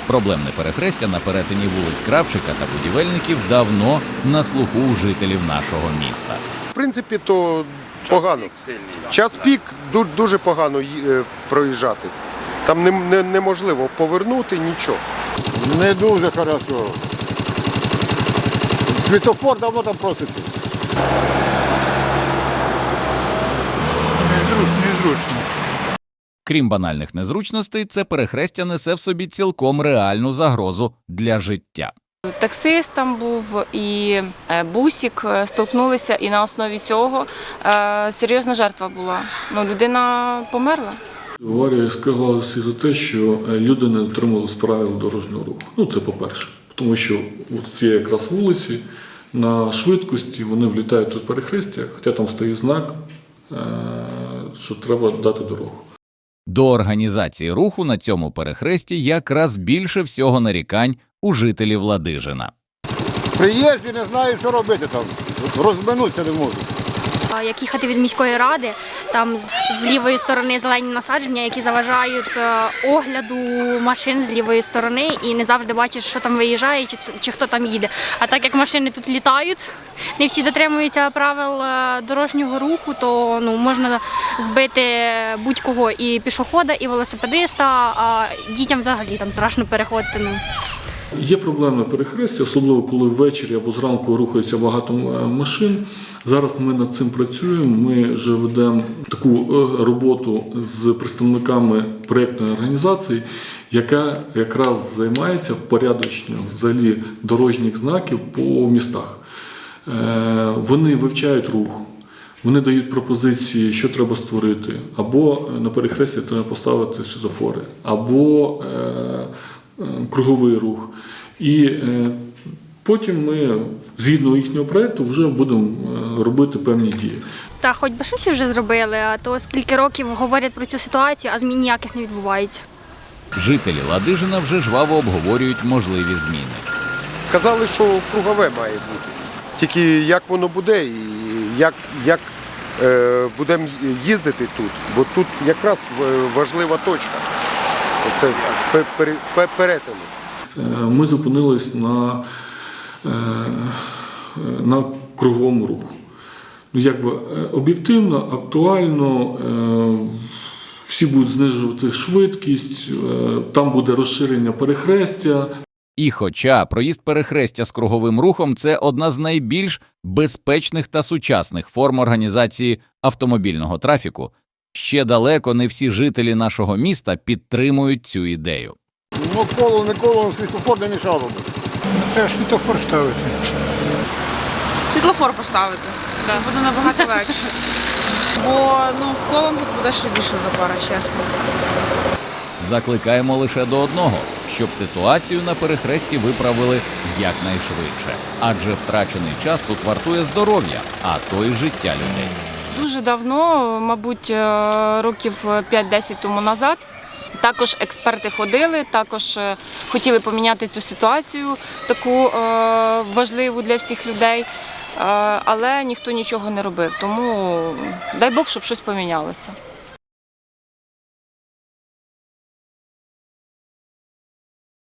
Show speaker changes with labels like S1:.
S1: Проблемне перехрестя на перетині вулиць Кравчика та Будівельників давно на слуху у жителів нашого міста.
S2: В принципі, то погано. Час пік дуже погано проїжджати. Там неможливо повернути нічого.
S3: Не дуже хорошо. Світофор давно там проситься.
S4: Незручно.
S1: Крім банальних незручностей, це перехрестя несе в собі цілком реальну загрозу для життя.
S5: Таксист там був і бусик столкнулися, і на основі цього серйозна жертва була. Людина померла.
S6: Аварія склалася за те, що люди не дотримувалися правил дорожнього руху. Це по-перше. Тому що ці якраз вулиці на швидкості вони влітають тут перехрестя, хоча там стоїть знак, що треба дати дорогу.
S1: До організації руху на цьому перехресті якраз більше всього нарікань у жителів Ладижина.
S3: Приїжджі не знають, що робити там. Розминутися не можуть.
S7: Як їхати від міської ради, там з лівої сторони зелені насадження, які заважають огляду машин з лівої сторони, і не завжди бачиш, що там виїжджає чи хто там їде. А так як машини тут літають, не всі дотримуються правил дорожнього руху, то можна збити будь-кого, і пішохода, і велосипедиста, а дітям взагалі там страшно переходити.
S6: Є проблемне перехрестя, особливо коли ввечері або зранку рухається багато машин. Зараз ми над цим працюємо, ми вже ведемо таку роботу з представниками проєктної організації, яка якраз займається впорядоченням взагалі дорожніх знаків по містах. Вони вивчають рух, вони дають пропозиції, що треба створити, або на перехресті треба поставити світлофори, або круговий рух. І потім ми, згідно їхнього проєкту, вже будемо робити певні дії.
S7: Та хоч би щось вже зробили, а то скільки років говорять про цю ситуацію, а змін ніяких не відбувається.
S1: Жителі Ладижина вже жваво обговорюють можливі зміни.
S2: Казали, що кругове має бути. Тільки як воно буде і як будемо їздити тут, бо тут якраз важлива точка. Це перетину.
S6: Ми зупинились на круговому руху. Об'єктивно, актуально, всі будуть знижувати швидкість, там буде розширення перехрестя.
S1: І хоча проїзд перехрестя з круговим рухом – це одна з найбільш безпечних та сучасних форм організації автомобільного трафіку, ще далеко не всі жителі нашого міста підтримують цю ідею.
S3: Коло, не коло, світофор не мішав робити.
S4: Треба світофор ставити.
S8: Світлофор поставити. Буде набагато легше. Бо з колом тут буде ще більше запара, чесно.
S1: Закликаємо лише до одного – щоб ситуацію на перехресті виправили якнайшвидше. Адже втрачений час тут вартує здоров'я, а то й життя людей.
S5: Дуже давно, мабуть, років 5-10 тому назад, також експерти ходили, також хотіли поміняти цю ситуацію, таку важливу для всіх людей, але ніхто нічого не робив. Тому дай Бог, щоб щось помінялося.